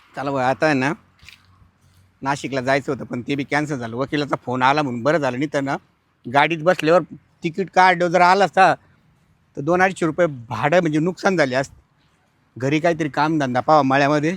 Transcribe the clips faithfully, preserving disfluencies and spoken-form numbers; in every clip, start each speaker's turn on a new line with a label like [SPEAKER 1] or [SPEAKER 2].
[SPEAKER 1] चला बघ आता आहे ना नाशिकला जायचं होतं पण ते बी कॅन्सल झालं. वकिलाचा फोन आला म्हणून बरं झालं, नाही तर ना गाडीत बसल्यावर तिकीट काढलं जर आला असता तर दोन अडीचशे रुपये भाडं म्हणजे नुकसान झाले असते. घरी काहीतरी कामधंदा पावा मळ्यामध्ये.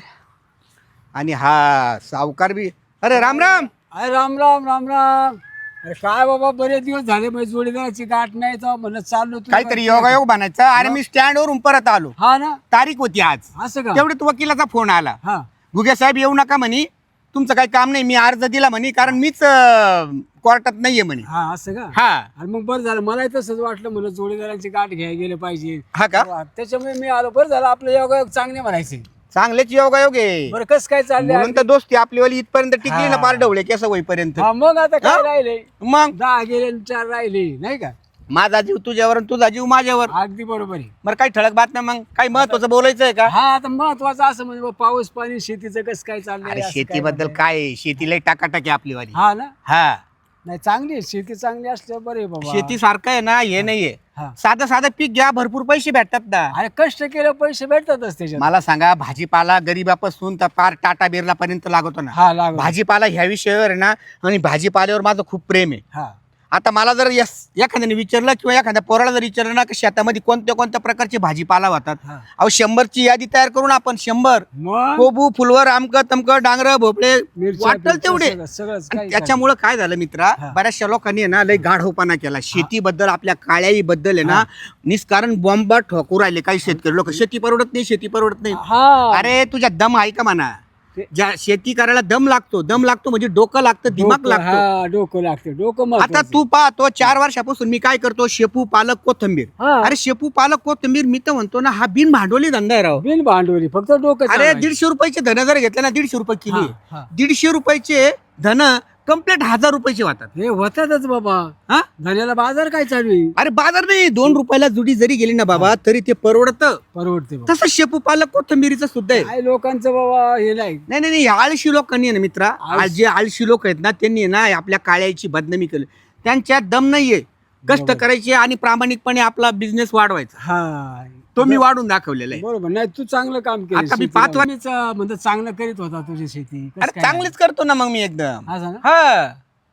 [SPEAKER 1] आणि हा सावकार बी अरे राम राम.
[SPEAKER 2] अरे राम राम राम राम. अरे काय बाबा बरेच दिवस झाले माझी जोडीदाराची गाठ नाही तर म्हणत चाललो तू
[SPEAKER 1] काहीतरी योगायोग बनायचं. अरे मी स्टँडवरून परत आलो,
[SPEAKER 2] हा ना.
[SPEAKER 1] तारीख होती आज.
[SPEAKER 2] असं का?
[SPEAKER 1] तेवढ्यात वकिलाचा फोन आला.
[SPEAKER 2] हा
[SPEAKER 1] गुगे साहेब येऊ नका म्हणे, तुमचं काही काम नाही. मी अर्ज दिला म्हणे कारण मीच अं, कोर्टात नाहीये म्हणे.
[SPEAKER 2] हा असं का?
[SPEAKER 1] हा
[SPEAKER 2] अरे मग बरं झालं, मलाही तसंच वाटलं म्हणलं जोडीदारांची गाठ घ्यायला गेले पाहिजे.
[SPEAKER 1] हा का?
[SPEAKER 2] त्याच्यामुळे मी आलो. बरं झालं आपलं योगायोग चांगले म्हणायचे.
[SPEAKER 1] चांगलेच योगायोग आहे.
[SPEAKER 2] बरं कसं काय चाललंय?
[SPEAKER 1] म्हणून तर दोस्ती आपली वाली इथपर्यंत टिकली ना,
[SPEAKER 2] हा.
[SPEAKER 1] पार ढवळे केस होईपर्यंत.
[SPEAKER 2] हा मग आता काय
[SPEAKER 1] हा?
[SPEAKER 2] राहिले?
[SPEAKER 1] मग
[SPEAKER 2] दहा गेले आणि चार राहिले नाही का?
[SPEAKER 1] माझा जीव तुझ्यावर आणि तुझा जीव माझ्यावर.
[SPEAKER 2] अगदी बरोबर आहे.
[SPEAKER 1] बरं काही ठळक बातम्या मग काही महत्वाचं बोलायचं आहे का?
[SPEAKER 2] हा आता महत्वाचं असं म्हणजे बा, पाऊस पाणी शेतीचं कसं काय चाललंय?
[SPEAKER 1] अरे
[SPEAKER 2] असं काय
[SPEAKER 1] शेतीबद्दल
[SPEAKER 2] म्हणताय?
[SPEAKER 1] काय आहे? शेतीला टाकाटाक आहे आपली वाली.
[SPEAKER 2] हा ना.
[SPEAKER 1] हा
[SPEAKER 2] नाही चांगली आहे शेती, चांगली असल्यावर बरे बाबा.
[SPEAKER 1] शेती सारखं आहे ना, हे नाहीये.
[SPEAKER 2] हा.
[SPEAKER 1] साधं साधं पीक घ्या, भरपूर पैसे भेटतात ना.
[SPEAKER 2] अरे कष्ट केलं पैसे भेटतातच त्याच्यात.
[SPEAKER 1] मला सांगा, भाजीपाला गरीबापासून तर पार टाटा बिर्ला पर्यंत लागतो ना.
[SPEAKER 2] हा लागू.
[SPEAKER 1] भाजीपाला ह्या विषयावर आहे ना, आणि भाजीपाल्यावर माझं खूप प्रेम आहे.
[SPEAKER 2] हा
[SPEAKER 1] आता मला जर यस एखाद्याने विचारलं किंवा एखाद्या पोराला जर विचारलं ना की शेतामध्ये कोणत्या कोणत्या प्रकारचे भाजीपाला होतात,
[SPEAKER 2] हा.
[SPEAKER 1] अहो शंभरची यादी तयार करून आपण शंभर
[SPEAKER 2] मग
[SPEAKER 1] कोबू फुलवर आमक तमक डांगर भोपळे
[SPEAKER 2] मिरच्या,
[SPEAKER 1] वाटल
[SPEAKER 2] बिरच्या
[SPEAKER 1] तेवढे.
[SPEAKER 2] सगळं- सगळंच
[SPEAKER 1] आणि
[SPEAKER 2] काही
[SPEAKER 1] त्याच्यामुळं काय झालं मित्रा,
[SPEAKER 2] हा.
[SPEAKER 1] बऱ्याचशा लोकांनी आहे ना लय गाढवपणा केला शेतीबद्दल. आपल्या काळ्याई बद्दल आहे ना निष्कारण बॉम्बा ठोकू राहिले काही शेतकरी लोक. शेती परवडत नाही, शेती परवडत नाही.
[SPEAKER 2] हा
[SPEAKER 1] अरे तुझ्या दम आहे का म्हणा?
[SPEAKER 2] ते-
[SPEAKER 1] ज्या शेती करायला दम लागतो, दम लागतो म्हणजे डोकं लागतं, दिमाग
[SPEAKER 2] डोकं-
[SPEAKER 1] लागतो.
[SPEAKER 2] हा डोकं लागते डोकं
[SPEAKER 1] आता
[SPEAKER 2] महत्वाचं.
[SPEAKER 1] तू पाहतो चार वर्षापासून मी काय करतो, शेपू पालक कोथंबीर.
[SPEAKER 2] हा.
[SPEAKER 1] अरे शेपू पालक कोथंबीर मी तर म्हणतो ना, हा बिन भांडवली धंदा आहे राव.
[SPEAKER 2] बिन भांडवली फक्त डोकं
[SPEAKER 1] अरे
[SPEAKER 2] चालवायचं.
[SPEAKER 1] दीडशे रुपयाचे धन जर घेतले ना, दीडशे रुपये किलो
[SPEAKER 2] हा,
[SPEAKER 1] आहे.
[SPEAKER 2] हा.
[SPEAKER 1] दीडशे रुपयाचे धन कम्प्लीट हजार रुपयाचे वाटतात.
[SPEAKER 2] हे होतातच बाबा.
[SPEAKER 1] हा
[SPEAKER 2] धन्याला बाजार काय चालू आहे?
[SPEAKER 1] अरे बाजार नाही, दोन रुपयाला जुडी जरी गेली ना बाबा तरी ते परवडतं.
[SPEAKER 2] परवडते बाबा.
[SPEAKER 1] तसं शेपू पालक कोथंबीरीचं सुद्धा आहे.
[SPEAKER 2] काय लोकांचं बाबा हे नाही.
[SPEAKER 1] नाही नाही नाही, आळशी लोकांनी आहे ना मित्रा,
[SPEAKER 2] आळशी-
[SPEAKER 1] आज जे आळशी लोक आहेत ना त्यांनी आहे ना आपल्या काळ्याची बदनामी केली. त्यांच्यात दम नाहीये कष्ट
[SPEAKER 2] बरोबर.
[SPEAKER 1] करायचे आणि प्रामाणिकपणे आपला बिझनेस वाढवायचा.
[SPEAKER 2] हा
[SPEAKER 1] तो मी वाढून दाखवलेला आहे.
[SPEAKER 2] बरोबर. नाही तू चांगलं काम केलं.
[SPEAKER 1] आता मी
[SPEAKER 2] शेतीला.
[SPEAKER 1] पाच वर-
[SPEAKER 2] मीच, अं, म्हणजे चांगलं करीत होता तुझी शेती. कसं
[SPEAKER 1] अरे
[SPEAKER 2] काय?
[SPEAKER 1] चांगलीच करतो ना मग मी एकदम.
[SPEAKER 2] असं ना.
[SPEAKER 1] हा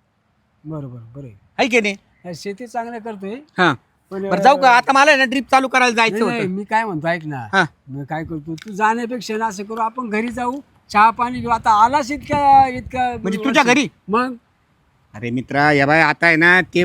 [SPEAKER 2] बरोबर बरं आहे.
[SPEAKER 1] आहे की नाही?
[SPEAKER 2] नाही, शेती चांगलं करतोय
[SPEAKER 1] हा
[SPEAKER 2] पण
[SPEAKER 1] बरं जाऊ का आता, मला आहे ना ट्रिप चालू करायला
[SPEAKER 2] नाही,
[SPEAKER 1] जायचं
[SPEAKER 2] नाही,
[SPEAKER 1] होतं.
[SPEAKER 2] मी काय म्हणतो ऐक ना.
[SPEAKER 1] हा
[SPEAKER 2] मी काय करतो, तू जाण्यापेक्षा ना असं करू, आपण घरी जाऊ, चहा पाणी घेऊ. आता आलास इतक्या इतक्या
[SPEAKER 1] म्हणजे तुझ्या घरी?
[SPEAKER 2] मग
[SPEAKER 1] अरे मित्रा या बाय आता आहे ना ते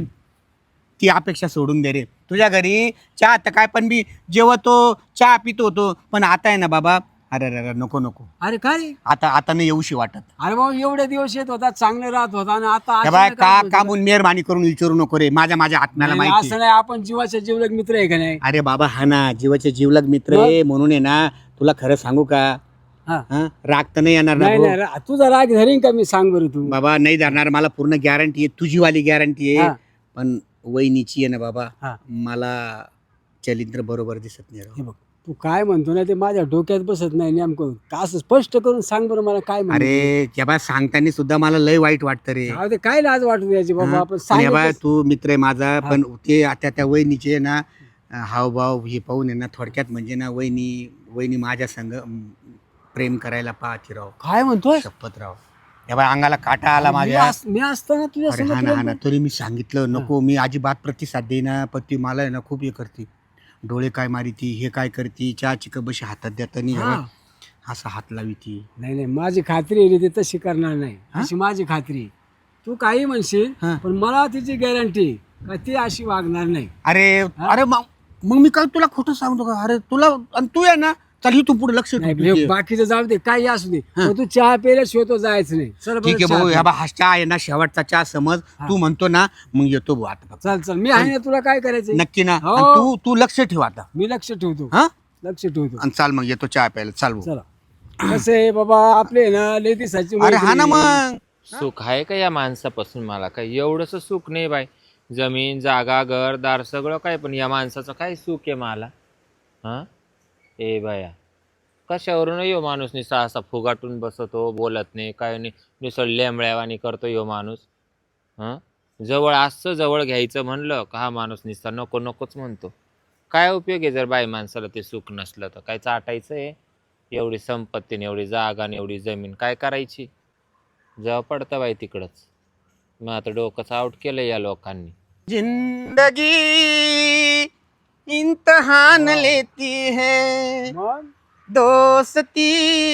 [SPEAKER 1] ती अपेक्षा सोडून दे रे. तुझ्या घरी चहा आता काय पण मी जेवतो चहा पितो होतो, पण आता आहे ना बाबा, अरे अरे अरे नको नको,
[SPEAKER 2] अरे काय रे?
[SPEAKER 1] आता आता नाही येऊशी वाटत.
[SPEAKER 2] अरे बाबा एवढे दिवस येत होता, चांगलं राहत होता आणि आता
[SPEAKER 1] या बाय
[SPEAKER 2] अचानक
[SPEAKER 1] का
[SPEAKER 2] काय म्हणतो?
[SPEAKER 1] कामून मेहरबानी करून विचारू नको रे, माझ्या माझ्या आत्म्याला
[SPEAKER 2] नाही,
[SPEAKER 1] माहिती
[SPEAKER 2] असं
[SPEAKER 1] आहे.
[SPEAKER 2] नाही, आपण जीवाच्या जीवलग मित्र आहे का नाही?
[SPEAKER 1] अरे बाबा हा ना जीवाचे जीवलग मित्र आहे म्हणून आहे ना, तुला खरं सांगू का,
[SPEAKER 2] हा.
[SPEAKER 1] हा राग तर नाही येणार ना
[SPEAKER 2] नाही
[SPEAKER 1] भाऊ?
[SPEAKER 2] नाही रा- तुझा राग धरीन का मी, सांग बरं तू.
[SPEAKER 1] बाबा नाही धरणार, मला पूर्ण गॅरंटी आहे, तुझी वाली गॅरंटी आहे.
[SPEAKER 2] हा.
[SPEAKER 1] पण वहिनीची आहे ना बाबा,
[SPEAKER 2] हा.
[SPEAKER 1] मला चरित्र बरोबर दिसत नाही राव.
[SPEAKER 2] हे बघ तू काय म्हणतो ना ते माझ्या डोक्यात बसत नाही नेमकं. का असं स्पष्ट करून सांग बरं मला काय म्हणतो.
[SPEAKER 1] अरे त्या बाय सांगताना सुद्धा मला लय वाईट वाटतं रे.
[SPEAKER 2] जाऊ दे, काय लाज वाटू द्यायची बाबा, आपण
[SPEAKER 1] आणि बाय
[SPEAKER 2] सांगितलं.
[SPEAKER 1] तू मित्र आहे माझा, पण ते आता त्या वहिनीचे आहे ना हावभाव हे पाहून आहे ना, थोडक्यात म्हणजे ना वहिनी वहिनी माझ्या संग अं, प्रेम करायला पाहते राव.
[SPEAKER 2] काय म्हणतोय?
[SPEAKER 1] शपथ राव, या बाय अंगाला काटा आला
[SPEAKER 2] मी
[SPEAKER 1] माझ्या.
[SPEAKER 2] अस- मी असताना तुझ्या
[SPEAKER 1] अरे हा
[SPEAKER 2] समोर
[SPEAKER 1] ना हा ना,
[SPEAKER 2] प्रेम
[SPEAKER 1] तरी मी सांगितलं नको, मी अजिबात प्रतिसाद देईना, पण ती मला आहे ना खूप हे करते, डोळे काय मारिती, हे काय करती, चहाची कबशी हातात देताना
[SPEAKER 2] हा.
[SPEAKER 1] असा हात लावी ती.
[SPEAKER 2] नाही नाही, माझी खात्री आहे रे, ते तशी करणार नाही, अशी माझी खात्री आहे. तू काही म्हणशील
[SPEAKER 1] हा.
[SPEAKER 2] पण मला तिची गॅरंटी का ती अशी वागणार नाही.
[SPEAKER 1] अरे अरे मग मग मी काय तुला खोटं सांगतो का? अरे तुला आणि तू आहे ना, चल तू पुढे लक्ष
[SPEAKER 2] नाही,
[SPEAKER 1] ठेव.
[SPEAKER 2] हे बाकीचं जाऊ दे, काही असू दे, पण तू चहा प्यायल्याशिवाय तो जायचं नाही. चल बरं,
[SPEAKER 1] ठीक आहे
[SPEAKER 2] चहा
[SPEAKER 1] भाऊ,
[SPEAKER 2] प्या.
[SPEAKER 1] ह्या बा हा चहा आहे ना शेवटचा चहा समज, तू म्हणतो ना मग येतो भाऊ आता फक्त.
[SPEAKER 2] चल चल, मी आहे ना, तुला काय करायचं?
[SPEAKER 1] नक्की ना?
[SPEAKER 2] हो.
[SPEAKER 1] आणि तू तू लक्ष ठेव आता.
[SPEAKER 2] मी लक्ष ठेवतो,
[SPEAKER 1] हा
[SPEAKER 2] लक्ष ठेवतो.
[SPEAKER 1] आणि चाल मग येतो चहा प्यायला, चाल भाऊ.
[SPEAKER 2] चला. कसं आहे बाबा, आपले ना लय दिसायची
[SPEAKER 1] अरे हा ना
[SPEAKER 2] मैत्री.
[SPEAKER 1] मग
[SPEAKER 3] सुख आहे का या माणसापासून? मला काय एवढंच सुख नाही बाई. जमीन जागा घरदार सगळं काय, पण या माणसाचं काय सुख आहे मला? हां ए बाया, कशावरून यो माणूस निसा असा फुगाटून बसतो, बोलत नाही काय नाही, निसळ लेंबळ्यावानी करतो यो माणूस. हां जवळ असं जवळ घ्यायचं म्हणलं का हा माणूस निसता नको नकोच म्हणतो. काय उपयोग आहे जर बाई माणसाला ते सुख नसलं तर? काय चाटायचं आहे? एवढी संपत्ती आणि एवढी जागा आणि एवढी जमीन काय करायची? जेव्हा पडतं बाई तिकडंच. मग आता डोकंच आउट केलं या लोकांनी.
[SPEAKER 1] जिंदगी इम्तहान लेती है,
[SPEAKER 2] मग
[SPEAKER 1] दोस्ती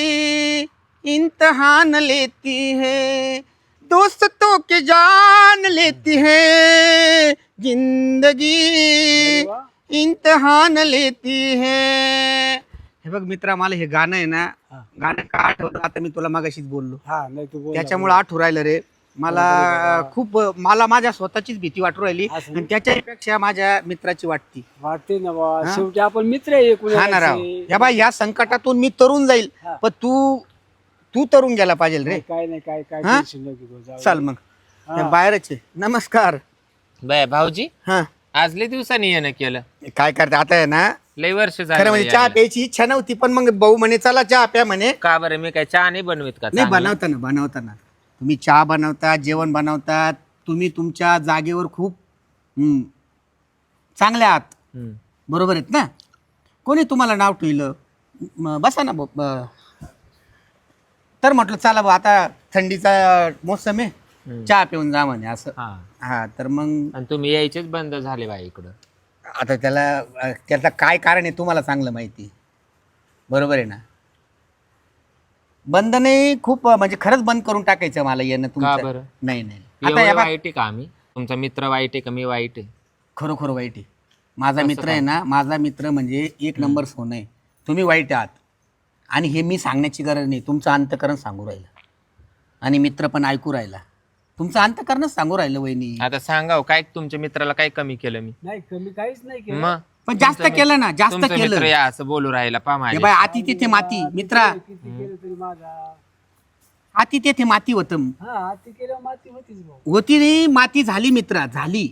[SPEAKER 1] इम्तहान लेती है, दोस्तों के जान लेती है, जिंदगी
[SPEAKER 2] अरे वा.
[SPEAKER 1] इम्तहान लेती है. हे बघ मित्रा, मला हे गाणं आहे ना,
[SPEAKER 2] हा.
[SPEAKER 1] गाणं का आठवतं आता, मी तुला मागाशीच बोललो
[SPEAKER 2] हा नाही तू बोल
[SPEAKER 1] त्याच्यामुळे आठवू राहिलं रे मला. खूप मला माझ्या स्वतःचीच भीती वाटू राहिली
[SPEAKER 2] असं
[SPEAKER 1] आणि त्याच्यापेक्षा माझ्या मित्राची वाटती.
[SPEAKER 2] वाटते ना बा,
[SPEAKER 1] हा?
[SPEAKER 2] शेवटी आपण मित्र आहे
[SPEAKER 1] हा ना राव, या बाई या संकटातून मी तरुण जाईल,
[SPEAKER 2] हा.
[SPEAKER 1] पण तू तू तरुण गेला पाहिजे रे.
[SPEAKER 2] काय नाही काय काय
[SPEAKER 1] हा?
[SPEAKER 2] टेन्शन नको घेऊ, जाऊ दे.
[SPEAKER 1] चल मग
[SPEAKER 2] हा.
[SPEAKER 1] हे बाहेरच आहे. नमस्कार.
[SPEAKER 3] बाय भाऊजी,
[SPEAKER 1] हा
[SPEAKER 3] आज लय दिवसांनी येणं केलं.
[SPEAKER 1] काय करते आता आहे ना,
[SPEAKER 3] लय वर्ष
[SPEAKER 1] खरं
[SPEAKER 3] झालं
[SPEAKER 1] म्हणजे चहा
[SPEAKER 3] यायला.
[SPEAKER 1] प्यायची इच्छा नव्हती, पण मग भाऊ म्हणे चला चहा प्या म्हणे.
[SPEAKER 3] का बरं, मी काय चहा नाही बनवीत का?
[SPEAKER 1] नाही
[SPEAKER 3] चांगला?
[SPEAKER 1] बनवताना बनवताना तुम्ही चहा बनवतात, जेवण बनवतात, तुम्ही तुमच्या जागेवर खूप हम्म, चांगले आहात,
[SPEAKER 3] हम्म.
[SPEAKER 1] बरोबर आहेत ना. कोणी तुम्हाला नाव ठेवलं? म, बसा ना ब- ब- तर म्हटलं चला बा, आता थंडीचा मोसम आहे,
[SPEAKER 3] हम्म.
[SPEAKER 1] चहा पिऊन जा म्हणे असं.
[SPEAKER 3] हा.
[SPEAKER 1] हा तर मग
[SPEAKER 3] आणि तुम्ही यायचेच बंद झाले बाई इकडं.
[SPEAKER 1] आता त्याला अ, त्याचं काय कारण आहे तुम्हाला चांगलं माहिती आहे. बरोबर आहे ना. बंद नाही, खूप अ, म्हणजे खरंच बंद करून टाकायचं मला येणं
[SPEAKER 3] का
[SPEAKER 1] तुमचं.
[SPEAKER 3] बरं?
[SPEAKER 1] नाही नाही आता
[SPEAKER 3] एवढं
[SPEAKER 1] या बा-
[SPEAKER 3] वाईट आहे का आम्ही? तुमचा मित्र वाईट आहे का मी वाईट आहे?
[SPEAKER 1] खरोखर वाईट आहे. माझा
[SPEAKER 3] कसं
[SPEAKER 1] मित्र आहे
[SPEAKER 3] काय?
[SPEAKER 1] ना, माझा मित्र म्हणजे एक नंबर सोनं आहे. तुम्ही वाईट आहात आणि हे मी सांगण्याची गरज नाही, तुमचं अंतकरण सांगू राहिलं आणि मित्र पण ऐकू राहिला. तुमचं अंतकरणच सांगू राहिलं वहिनी.
[SPEAKER 3] आता सांगा हो, काय तुमच्या मित्राला काय कमी केलं मी?
[SPEAKER 2] नाही कमी काहीच नाही केलं.
[SPEAKER 3] मग
[SPEAKER 1] पण जास्त
[SPEAKER 3] तुमचं
[SPEAKER 1] केलं ना, जास्त
[SPEAKER 3] तुमचा
[SPEAKER 1] केलं.
[SPEAKER 3] मित्र या असं बोलू राहिला पा
[SPEAKER 1] हे
[SPEAKER 3] माझ्या.
[SPEAKER 1] बाय आती तिथे माती मित्रा,
[SPEAKER 2] किती केलं तरी माझा.
[SPEAKER 1] आती तेथे माती होतं.
[SPEAKER 2] हा ती केलं माती होतीच भाऊ.
[SPEAKER 1] होती नाही, माती झाली मित्रा, झाली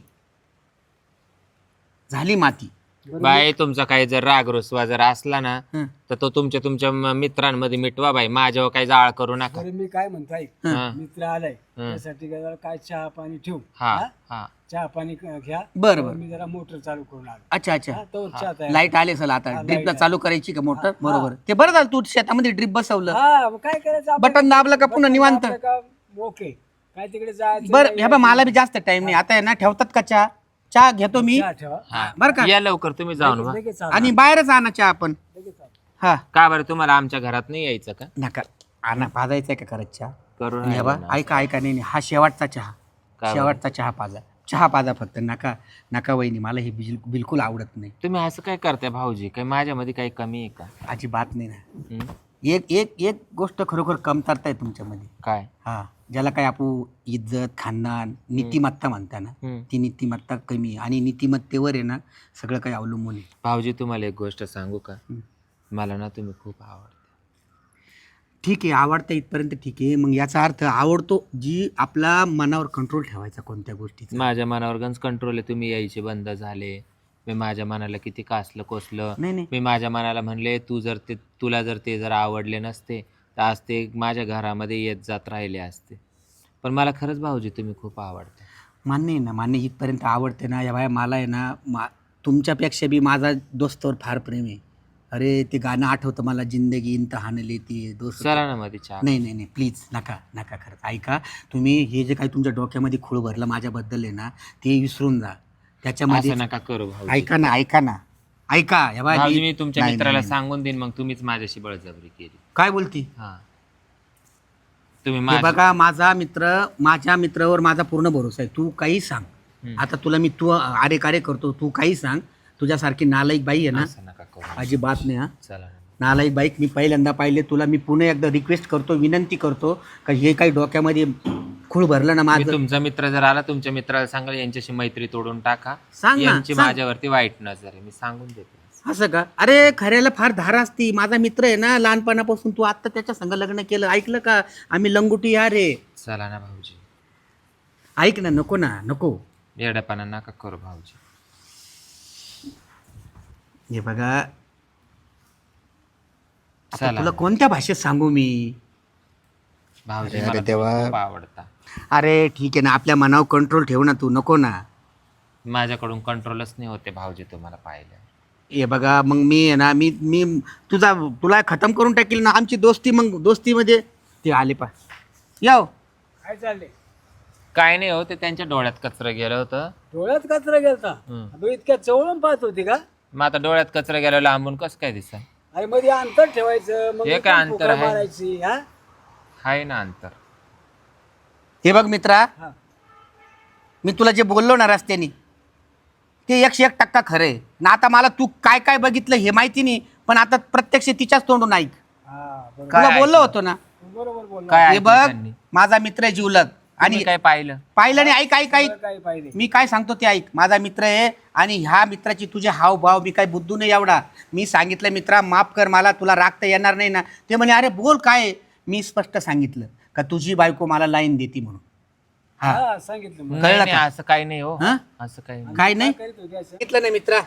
[SPEAKER 1] झाली माती.
[SPEAKER 3] बाई तुमचा काही जर राग रुसवा जर असला ना,
[SPEAKER 1] हं.
[SPEAKER 3] तर तो तुमच्या तुमच्या म- मित्रांमध्ये मिटवा बाई, माझ्यावर काही जाळ करू नका.
[SPEAKER 2] बरं मी काय म्हणतो ऐक,
[SPEAKER 3] हा.
[SPEAKER 2] मित्र आलाय त्यासाठी काय जरा काय चहा पाणी ठेवू.
[SPEAKER 3] हा
[SPEAKER 2] हा?
[SPEAKER 3] हा
[SPEAKER 2] चहा पाणी क- घ्या.
[SPEAKER 1] बरं बरं.
[SPEAKER 2] मी जरा मोटर चालू करून आलो.
[SPEAKER 1] अच्छा अच्छा.
[SPEAKER 2] हा, तोवर चहा तयार.
[SPEAKER 1] लाईट आले असेल आता,
[SPEAKER 2] हा,
[SPEAKER 1] ड्रिपला
[SPEAKER 2] light
[SPEAKER 1] चालू करायची का मोटर? बरोबर. ते बरं झालं तू शेतामध्ये ड्रिप बसवलं,
[SPEAKER 2] हा मग काय करायचं आपण?
[SPEAKER 1] बटन दाबलं का पुन्हा
[SPEAKER 2] बटन
[SPEAKER 1] निवांत.
[SPEAKER 2] दाबलं का ओके. काय तिकडे जायचं
[SPEAKER 1] बरं.
[SPEAKER 2] नाही,
[SPEAKER 1] ह्या बा मला बी जास्त टाइम नाही आता आहे ना, ठेवतात का चहा? चहा घेतो मी.
[SPEAKER 2] चहा ठेवा.
[SPEAKER 3] हा.
[SPEAKER 2] बरं
[SPEAKER 1] का?
[SPEAKER 3] या लवकर तुम्ही जाऊन वा.
[SPEAKER 2] लगेच चहा.
[SPEAKER 1] आणि बाहेरच आणा चहा आपण.
[SPEAKER 2] लगेच चहा.
[SPEAKER 1] हा
[SPEAKER 3] का बरं, तुम्हाला आमच्या घरात नाही यायचं का?
[SPEAKER 1] नका आणा, पाजायचा आहे का करत चहा?
[SPEAKER 3] करू
[SPEAKER 1] आणि हे बा, ऐका ऐका नाही नाही, हा शेवटचा चहा,
[SPEAKER 3] बरं?
[SPEAKER 1] शेवटचा चहा पाजा, चहा पाजा फक्त. नका नका वहिनी, मला हे बिल- बिलकुल आवडत नाही.
[SPEAKER 3] तुम्ही असं काय करताय भाऊजी? काही माझ्यामध्ये काही कमी आहे का?
[SPEAKER 1] अजिबात नाही ना.
[SPEAKER 3] हं?
[SPEAKER 1] एक एक एक गोष्ट खरोखर कमतरता आहे तुमच्यामध्ये.
[SPEAKER 3] काय?
[SPEAKER 1] हा, ज्याला काय आपण इज्जत, खानदान, नीतिमत्ता म्हणता ना,
[SPEAKER 3] हं.
[SPEAKER 1] ती नीतिमत्ता कमी आहे आणि नीतिमत्तेवर आहे ना सगळं काही अवलंबून आहे.
[SPEAKER 3] भाऊजी तुम्हाला एक गोष्ट सांगू का?
[SPEAKER 1] हं.
[SPEAKER 3] मला ना तुम्ही खूप आवडते.
[SPEAKER 1] ठीक आहे, आवडतं इथपर्यंत ठीक आहे. मग याचा अर्थ आवडतो जी आपला मनावर कंट्रोल ठेवायचा कोणत्या गोष्टीचा.
[SPEAKER 3] माझ्या मनावर गंज कंट्रोल आहे. तुम्ही यायचे बंद झाले. मी माझ्या मनाला किती कासलं कोसलं.
[SPEAKER 1] नाही नाही
[SPEAKER 3] मी माझ्या मनाला म्हणले तू जर ते तुला जर ते जर आवडले नसते तर आज ते माझ्या घरामध्ये येत जात राहिले असते. पण मला खरंच भाऊजी तुम्ही खूप आवडता.
[SPEAKER 1] मान्य आहे ना, मान्य इथपर्यंत आवडते ना. या बाय मला आहे ना, मा तुमच्यापेक्षा बी माझा दोस्तावर फार प्रेम आहे. अरे ते गाणं आठवतं मला, जिंदगी इम्तहान लेती दोस्त.
[SPEAKER 3] चला ना मध्ये चहा.
[SPEAKER 1] नाही नाही नाही प्लीज नका नका. खरंच ऐका तुम्ही, हे जे काही तुमच्या डोक्यामध्ये खूळ भरलं माझ्याबद्दल आहे ना, ते विसरून जा. त्याच्यामध्ये
[SPEAKER 3] असं नका करू भाऊजी.
[SPEAKER 1] ऐका ना ऐका ना ऐका. या बाय
[SPEAKER 3] भाऊजी मी तुमच्या
[SPEAKER 1] नाही,
[SPEAKER 3] मित्राला
[SPEAKER 1] नाही, नाही.
[SPEAKER 3] सांगून देईन, मग तुम्हीच माझ्याशी बळजबरी केली.
[SPEAKER 1] काय बोलती?
[SPEAKER 3] हा तुम्ही
[SPEAKER 1] हे
[SPEAKER 3] माझ्या
[SPEAKER 1] बघा, माझा मित्र, माझ्या मित्रावर माझा पूर्ण भरोसा आहे. तू काही सांग.
[SPEAKER 3] हम्म.
[SPEAKER 1] आता तुला मी तू अरे कारे करतो, तू काही सांग. तुझ्यासारखी नालायक बाई आहे ना,
[SPEAKER 3] असं नका करू.
[SPEAKER 1] अजिबात नाही. हा,
[SPEAKER 3] चला ना.
[SPEAKER 1] नालायक बाईक मी पहिल्यांदा पाहिले. तुला मी पुन्हा एकदा रिक्वेस्ट करतो, विनंती करतो का हे काही डोक्यामध्ये खूळ भरलं ना
[SPEAKER 3] मी
[SPEAKER 1] माझं.
[SPEAKER 3] तुमचा मित्र जर आला, तुमच्या मित्राला सांगाल यांच्याशी मैत्री तोडून टाका.
[SPEAKER 1] सांग ना,
[SPEAKER 3] यांची
[SPEAKER 1] सांग.
[SPEAKER 3] माझ्यावरती वाईट नजर आहे, मी सांगून देतो.
[SPEAKER 1] असं का? अरे खऱ्याला फार धार असती. माझा मित्र आहे ना लहानपणापासून, तू आत्ता त्याच्या संग लग्न केलं, ऐकलं का? आम्ही लंगुटी या रे.
[SPEAKER 3] चला ना भाऊजी.
[SPEAKER 1] ऐक ना, नको ना नको.
[SPEAKER 3] येड्यापणा नका करू भाऊजी.
[SPEAKER 1] हे बघा, आता
[SPEAKER 3] चला
[SPEAKER 1] तुला कोणत्या भाषेत सांगू मी?
[SPEAKER 3] भाऊजी
[SPEAKER 1] अरे,
[SPEAKER 3] मला
[SPEAKER 1] अरे
[SPEAKER 3] तुम्ही
[SPEAKER 1] देवा.
[SPEAKER 3] खूप आवडता.
[SPEAKER 1] अरे ठीक आहे ना, आपल्या मनावर कंट्रोल ठेव ना तू. नको ना.
[SPEAKER 3] माझ्याकडून कंट्रोलच नाही होते भाऊजी तुम्हाला पाहिलं.
[SPEAKER 1] हे बघा मग मी आहे ना मी मी तुझा तुला खतम करून टाकील ना आमची दोस्ती. मग दोस्तीमध्ये ते आले पा याव
[SPEAKER 2] काय चालले?
[SPEAKER 3] काय नाही हो, ते त्यांच्या डोळ्यात कचरं गेलं होतं.
[SPEAKER 2] डोळ्यात कचरा गेलता?
[SPEAKER 3] हम्म.
[SPEAKER 2] अबे इतक्या चवळून पाहत होती का?
[SPEAKER 3] मग आता डोळ्यात कचरं गेलं लांबून कसं काय दिसा?
[SPEAKER 2] अरे मध्ये अंतर ठेवायचं मग
[SPEAKER 3] हे काय
[SPEAKER 2] इथून
[SPEAKER 3] अंतर
[SPEAKER 2] फुकरा
[SPEAKER 3] आहे?
[SPEAKER 2] मारायची हा
[SPEAKER 3] आहे ना अंतर.
[SPEAKER 1] हे बघ मित्रा,
[SPEAKER 2] हा.
[SPEAKER 1] मी तुला जे बोललो ना रस्त्याने ते एकशे एक टक्का खरं आहे ना. आता मला तू काय काय बघितलं हे माहिती नाही, पण आता प्रत्यक्ष तिच्याच तोंडून ऐक.
[SPEAKER 2] हा, बरोबर.
[SPEAKER 1] तुला
[SPEAKER 3] काय
[SPEAKER 1] बोललो
[SPEAKER 3] ऐकलं?
[SPEAKER 1] होतो ना.
[SPEAKER 2] बरोबर बोलला.
[SPEAKER 3] काय
[SPEAKER 1] हे
[SPEAKER 3] ऐकलं
[SPEAKER 1] बघ
[SPEAKER 3] त्यांनी?
[SPEAKER 1] माझा मित्र आहे जिवलग
[SPEAKER 3] आणि
[SPEAKER 1] आणि
[SPEAKER 3] काय पाहिलं?
[SPEAKER 1] पाहिलं नाही. ऐक ऐक ऐक
[SPEAKER 2] काय पाहिजे?
[SPEAKER 1] मी काय सांगतो ते ऐक. माझा मित्र आहे आणि ह्या मित्राची तुझे हावभाव मी काय बुद्धू नाही एवढा. मी सांगितलं मित्रा माफ कर, मला तुला रागता येणार नाही ना. ते म्हणे अरे बोल काय आहे? मी स्पष्ट सांगितलं का तुझी बायको मला लाईन देती म्हणून. हा
[SPEAKER 2] हा सांगितलं मग.
[SPEAKER 3] नाही
[SPEAKER 1] कळलं
[SPEAKER 3] नाही,
[SPEAKER 1] का?
[SPEAKER 3] असं काही नाही हो.
[SPEAKER 1] हा?
[SPEAKER 3] असं काही नाही.
[SPEAKER 1] काय नाही
[SPEAKER 2] करीत होती असं?
[SPEAKER 1] सांगितलं नाही मित्रा.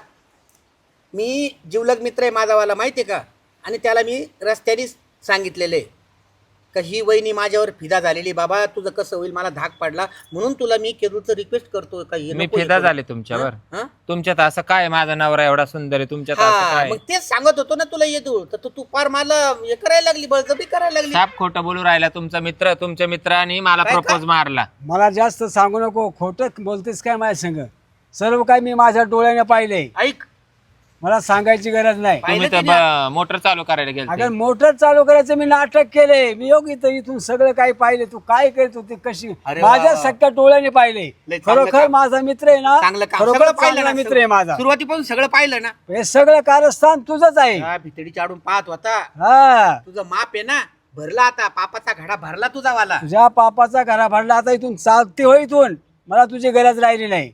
[SPEAKER 1] मी जिवलग मित्र आहे माझावाला माहिती आहे का. आणि त्याला मी रस्त्यानेच सांगितलेलं आहे का ही वहिनी माझ्यावर फिदा झालेली. बाबा तुझं कसं होईल मला धाक पडला म्हणून तुला मी केदूचं रिक्वेस्ट करतो का हे
[SPEAKER 3] मी
[SPEAKER 1] नको हे
[SPEAKER 3] फिदा
[SPEAKER 1] करू.
[SPEAKER 3] झाले तुमच्यावर.
[SPEAKER 1] हा?
[SPEAKER 3] तुमच्यात असं काय? माझा नवरा एवढा सुंदर आहे, तुमच्यात असं
[SPEAKER 1] हा
[SPEAKER 3] काय?
[SPEAKER 1] मग तेच सांगत होतो ना तुला येतो तर तू तू फार मला हे करायला लागली बळजबरी करायला लागली.
[SPEAKER 3] साप खोटं बोलू राहिला तुमचा मित्र. तुमच्या मित्राने मला
[SPEAKER 1] काय-
[SPEAKER 3] प्रपोज मारला.
[SPEAKER 2] मला जास्त सांगू नको. खोटं बोलतेस काय माझ्या संग? सर्व काय मी माझ्या डोळ्याने पाहिलंय.
[SPEAKER 1] ऐक
[SPEAKER 2] मला सांगायची गरज नाही.
[SPEAKER 1] पाहिलं
[SPEAKER 3] तुम्ही तर ब- मोटर चालू करायला गेले.
[SPEAKER 2] अगर मोटर चालू करायचं मी नाटक केले. मी योग इथं इथून सगळं काही पाहिले. तू काय करत होती कशी
[SPEAKER 1] अरे
[SPEAKER 2] माझ्या
[SPEAKER 1] वा.
[SPEAKER 2] सख्या डोळ्याने पाहिले.
[SPEAKER 1] लय चांगलं
[SPEAKER 2] खरोखर
[SPEAKER 1] काम.
[SPEAKER 2] माझा मित्र आहे ना.
[SPEAKER 1] चांगलं काम
[SPEAKER 2] खरोखर
[SPEAKER 1] सगळं पाहिलं
[SPEAKER 2] चांगला
[SPEAKER 1] ना.
[SPEAKER 2] मित्र आहे माझा.
[SPEAKER 1] सुरुवातीपासून सगळं पाहिलं ना.
[SPEAKER 2] हे सगळं कारस्थान तुझंच आहे.
[SPEAKER 1] हा, भितडी चाडून पाहत होता.
[SPEAKER 2] हा
[SPEAKER 1] तुझं माप आहे ना भरला आता. पापाचा घडा भरला तुझा वाला.
[SPEAKER 2] तुझ्या पापाचा घरा भरला. आता इथून चालते हो इथून. मला तुझी गरज राहिली नाही.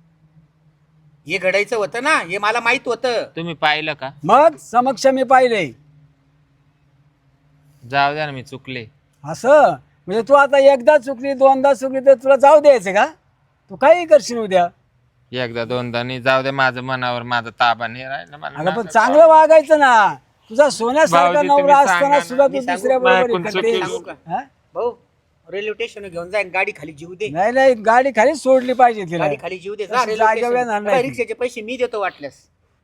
[SPEAKER 1] हे घडायचं होतं ना हे मला माहित होतं.
[SPEAKER 3] तुम्ही पाहिलं का?
[SPEAKER 2] मग समक्ष मी पाहिले.
[SPEAKER 3] जाऊ द्या ना, मी चुकले.
[SPEAKER 2] असं म्हणजे तू आता एकदा चुकली दोनदा चुकली तर तुला जाऊ द्यायचं का? तू काही करशील उद्या.
[SPEAKER 3] एकदा दोनदा नाही जाऊ दे. माझं मनावर माझा ताबा नाही राहिला. मला
[SPEAKER 2] अगं पण
[SPEAKER 3] नाका-
[SPEAKER 2] चांगलं वागायचं ना. तुझा सोन्यासारखा
[SPEAKER 3] भाऊजी,
[SPEAKER 2] नवरा
[SPEAKER 3] तुम्ही
[SPEAKER 2] असताना
[SPEAKER 3] सांगा
[SPEAKER 2] सुद्धा
[SPEAKER 3] ना.
[SPEAKER 2] तू
[SPEAKER 1] मी सांगू?
[SPEAKER 2] दुसऱ्या
[SPEAKER 3] नाही,
[SPEAKER 2] बरोबर
[SPEAKER 3] कोण
[SPEAKER 2] करते.
[SPEAKER 1] सांगू का?
[SPEAKER 2] हा?
[SPEAKER 1] भाऊ रेल्वे स्टेशन घेऊन जाय गाडी खाली जीव दे.
[SPEAKER 2] नाही नाही गाडी खाली सोडली पाहिजे तिला.
[SPEAKER 1] गाडी खाली जीव दे जा
[SPEAKER 2] तशी
[SPEAKER 1] रेल्वे
[SPEAKER 2] जागेवर येणार
[SPEAKER 1] स्टेशन.
[SPEAKER 2] नाही ती.
[SPEAKER 1] रिक्षाचे पैसे मी देतो वाटल्यास.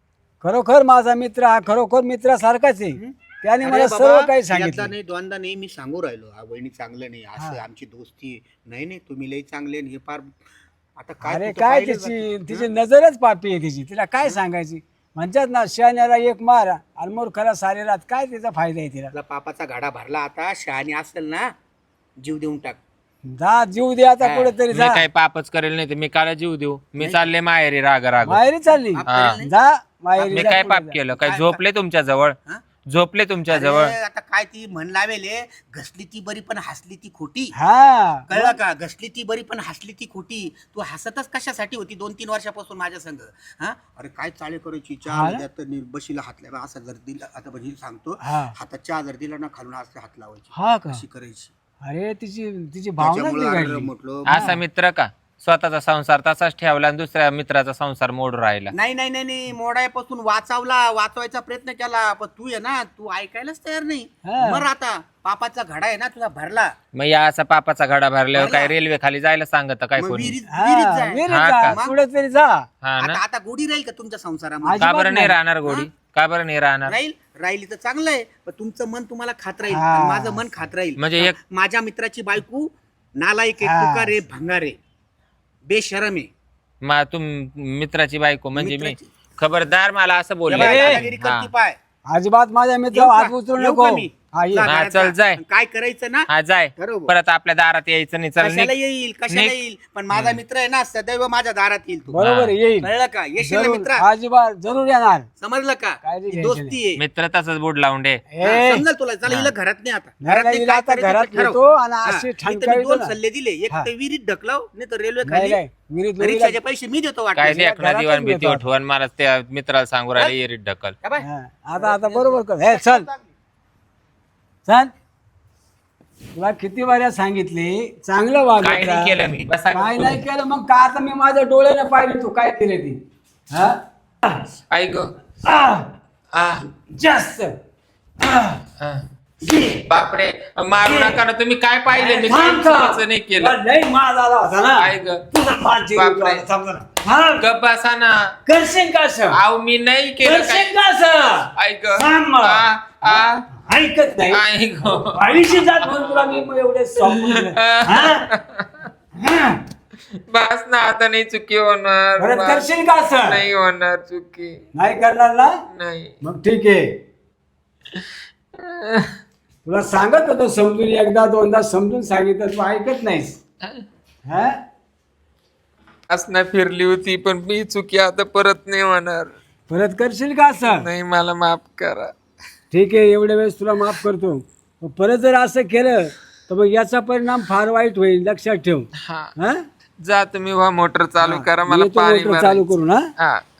[SPEAKER 2] खरोखर माझा मित्र हा खरोखर मित्रासारखाच आहे. त्याने
[SPEAKER 1] अरे
[SPEAKER 2] मला
[SPEAKER 1] बाबा,
[SPEAKER 2] सर्व काही
[SPEAKER 1] एकदा
[SPEAKER 2] सांगितलं.
[SPEAKER 1] नाही दोनदा नाही मी सांगू राहिलो हा वहिनी चांगलं नाही असं आमची दोस्ती नाही नाही तुम्ही लई चांगले आणि हे फार आता काय
[SPEAKER 2] अरे
[SPEAKER 1] तुझं
[SPEAKER 2] काय
[SPEAKER 1] पाहिलं
[SPEAKER 2] तिची
[SPEAKER 1] जातं.
[SPEAKER 2] तिची नजरच पापी आहे तिची. तिला काय सांगायची? म्हणतात ना शहाण्याला एक मार आणि मूर्खाला सारे रात. काय तिचा फायदा आहे तिला?
[SPEAKER 1] तुला पापाचा घडा भरला आता शहाणी असेल ना जीव देऊन टाक.
[SPEAKER 2] जा जीव दे आता
[SPEAKER 1] हा.
[SPEAKER 2] कुठेतरी
[SPEAKER 3] मी
[SPEAKER 2] जा.
[SPEAKER 3] काही पापच करेल नाही तर मी काला जीव देऊ? मी चालले माहेरी राग राग.
[SPEAKER 2] माहेरी चालली
[SPEAKER 1] पाप
[SPEAKER 3] हा.
[SPEAKER 1] करेल नाही?
[SPEAKER 2] जा माहेरी
[SPEAKER 3] मी
[SPEAKER 2] जा,
[SPEAKER 3] काय
[SPEAKER 2] पुढे
[SPEAKER 3] पाप
[SPEAKER 2] जा.
[SPEAKER 3] केलं? काय
[SPEAKER 1] काय-
[SPEAKER 3] झोपले तुमच्या जवळ?
[SPEAKER 1] हा?
[SPEAKER 3] झोपले तुमच्या जवळ?
[SPEAKER 1] अरे, आता काय ती म्हण लावेले घसली ती बरी पण हसली ती खोटी.
[SPEAKER 2] हा
[SPEAKER 1] कळलं का? घसली ती बरी पण हसली ती खोटी. तू हसतच कशासाठी होती दोन तीन वर्षापासून माझ्या संग? हा अरे काय चाळे करायची
[SPEAKER 2] हा
[SPEAKER 1] चहा
[SPEAKER 2] ना?
[SPEAKER 1] द्या तर नी- बशीला हात लावा असं जर दिला आता म्हणजे सांगतो
[SPEAKER 2] हा.
[SPEAKER 1] हातात चहा जर दिला ना खालून असं हात लावायची
[SPEAKER 2] हा का?
[SPEAKER 1] अशी करायची.
[SPEAKER 2] अरे तिची तिची भावना
[SPEAKER 1] त्याच्यामुळं अरे
[SPEAKER 2] बिघडली.
[SPEAKER 1] म्हटलं
[SPEAKER 3] असा मित्र का? स्वतःचा संसार तसाच ठेवला आणि दुसऱ्या मित्राचा संसार मोडून राहिला.
[SPEAKER 1] नाही नाही नाही नाही मोडायपासून वाचवला वाचवायचा प्रयत्न केला पण तू आहे ना तू ऐकायलाच तयार नाही.
[SPEAKER 2] हा.
[SPEAKER 1] मर आता पापाचा घडा आहे ना तुला भरला.
[SPEAKER 3] मग या असा पापाचा घडा भरल्यावर
[SPEAKER 1] भरला.
[SPEAKER 3] काय रेल्वे खाली जायला सांगत काय
[SPEAKER 1] मग
[SPEAKER 3] कोणी?
[SPEAKER 1] विहिरीत
[SPEAKER 2] हा,
[SPEAKER 1] विहिरीत जाय.
[SPEAKER 2] विहिरीत
[SPEAKER 3] हा
[SPEAKER 2] जा,
[SPEAKER 3] का?
[SPEAKER 2] कुठेतरी जा.
[SPEAKER 3] हा ना?
[SPEAKER 1] आता आता गोडी राहील का तुमच्या संसारामध्ये?
[SPEAKER 3] का बरं नाही
[SPEAKER 2] नाही.
[SPEAKER 3] राहणार गोडी? का बरं नाही राहणार?
[SPEAKER 1] राहील राहिली तर चांगलं आहे पण तुमचं मन तुम्हाला खात राहील
[SPEAKER 2] हा.
[SPEAKER 1] आणि माझं मन खात राहील.
[SPEAKER 3] म्हणजे एक-
[SPEAKER 1] माझ्या मित्राची बायको नालायक आहे
[SPEAKER 2] हा.
[SPEAKER 1] तुकार आहे भंगार आहे बेशरम आहे.
[SPEAKER 3] मा तुम मित्राची बायको म्हणजे मी
[SPEAKER 1] मित्राची-
[SPEAKER 3] खबरदार मला असं
[SPEAKER 1] या
[SPEAKER 3] बोलले.
[SPEAKER 1] बाई दादागिरी
[SPEAKER 3] हा.
[SPEAKER 1] करती पाय.
[SPEAKER 2] अजिबात माझ्या
[SPEAKER 1] येऊ
[SPEAKER 2] मित्रावर
[SPEAKER 1] का?
[SPEAKER 2] हात उचलू
[SPEAKER 1] येऊ
[SPEAKER 2] नको.
[SPEAKER 1] का मी?
[SPEAKER 2] हा, ये.
[SPEAKER 1] जा
[SPEAKER 3] हा,
[SPEAKER 1] घरात
[SPEAKER 3] चल,
[SPEAKER 1] जा.
[SPEAKER 3] जाय.
[SPEAKER 1] काय करायचं ना
[SPEAKER 3] हा जाय
[SPEAKER 1] बरोबर.
[SPEAKER 3] परत आपल्या दारात यायचं नाही. चल
[SPEAKER 1] कशाला
[SPEAKER 3] निघ.
[SPEAKER 1] येईल कशाला
[SPEAKER 3] निघ.
[SPEAKER 1] येईल पण माझा मित्र आहे ना सदैव माझ्या दारात येईल तू.
[SPEAKER 2] बरोबर आहे, येईल
[SPEAKER 1] कळलं का? येशील ना
[SPEAKER 2] जरूर
[SPEAKER 1] मित्रा?
[SPEAKER 2] अजिबात जरूर येणार.
[SPEAKER 1] समजलं का?
[SPEAKER 2] काळजी
[SPEAKER 1] ही
[SPEAKER 2] घ्यायची
[SPEAKER 1] दोस्ती आहे.
[SPEAKER 3] मित्र तसंच बुड लावून दे.
[SPEAKER 1] हा,
[SPEAKER 2] ए,
[SPEAKER 1] समजेल तुला. चला हिला घरात नाही आता
[SPEAKER 2] नाही,
[SPEAKER 1] घरात
[SPEAKER 2] नाही,
[SPEAKER 1] नाही,
[SPEAKER 2] हिला
[SPEAKER 1] काय
[SPEAKER 2] आता
[SPEAKER 1] करायचं
[SPEAKER 2] घरात
[SPEAKER 1] ते ठरव.
[SPEAKER 2] नेतो आणि
[SPEAKER 1] हा,
[SPEAKER 2] अशी
[SPEAKER 1] इथं मी
[SPEAKER 2] ठणकावतो
[SPEAKER 1] दोन
[SPEAKER 2] ना.
[SPEAKER 1] सल्ले दिले एक
[SPEAKER 2] हा.
[SPEAKER 1] तर विहिरीत ढकलाव नाही तर रेल्वे
[SPEAKER 2] नाही
[SPEAKER 1] खाली
[SPEAKER 2] नाही विहिरीत लोळीला-
[SPEAKER 1] परीक्षाचे पैसे मी देतो
[SPEAKER 3] काय
[SPEAKER 1] वाटलं.
[SPEAKER 3] देखना
[SPEAKER 2] घरातच
[SPEAKER 3] दिवाण भीती
[SPEAKER 2] घेतो.
[SPEAKER 3] उठवून मला त्या मित्राला सांगू राहिले येरीत ढकल.
[SPEAKER 1] का बाय?
[SPEAKER 2] हा, आता आता बरोबर कर. हे चल चल. तुला किती वाऱ्या सांगितले चांगलं वाग.
[SPEAKER 3] काय नाही केलं मी. बसा गं.
[SPEAKER 2] काय नाही केलं मग का आता मी माझ्या डोळ्याने पाहिली तू काय केले ती. हा
[SPEAKER 3] ऐक
[SPEAKER 2] आह,
[SPEAKER 3] आ
[SPEAKER 2] जास्त आह,
[SPEAKER 3] आ.
[SPEAKER 2] ये.
[SPEAKER 3] बापरे मारू नका ना तुम्ही. काय पाहिले मी
[SPEAKER 2] थांब का?
[SPEAKER 3] काहीच नाही केलं.
[SPEAKER 2] तुला लई माज आला होता ना.
[SPEAKER 3] ऐक
[SPEAKER 2] तुझा फार जीव
[SPEAKER 3] बापरे.
[SPEAKER 2] आला. थांब जरा. हा
[SPEAKER 3] गप बसा ना.
[SPEAKER 2] करशील का असं
[SPEAKER 3] अहो मी नाही केलं काय.
[SPEAKER 2] करशील का असं
[SPEAKER 3] ऐक
[SPEAKER 2] सांग मग.
[SPEAKER 3] आ, आ,
[SPEAKER 2] ऐकत नाही
[SPEAKER 3] ऐक
[SPEAKER 2] आयुष्य जात म्हणून तुला मी मग एवढे सांगून हा? हा.
[SPEAKER 3] बस ना आता नाही चुकी होणार.
[SPEAKER 2] परत
[SPEAKER 3] बस.
[SPEAKER 2] करशील का असं
[SPEAKER 3] नाही होणार चुकी.
[SPEAKER 2] नाही करणार ना
[SPEAKER 3] नाही.
[SPEAKER 2] मग ठीक आहे तुला सांगत होतो समजून एकदा दोनदा समजून सांगितलं तू ऐकत नाहीस हा
[SPEAKER 3] असना फिरली होती पण मी चुकी आता परत नाही होणार.
[SPEAKER 2] परत करशील का असं
[SPEAKER 3] नाही मला माफ करा.
[SPEAKER 2] ठीक आहे एवढ्या वेळेस तुला माफ करतो मग परत जर असं केलं तर मग याचा परिणाम फार वाईट होईल लक्षात ठेव
[SPEAKER 3] हा
[SPEAKER 2] हा
[SPEAKER 3] जा तुम्ही वा मोटर चालू करा मला
[SPEAKER 2] येतो
[SPEAKER 3] पाणी
[SPEAKER 2] मोटर चालू
[SPEAKER 3] भरायचं.
[SPEAKER 2] करू ना
[SPEAKER 3] हा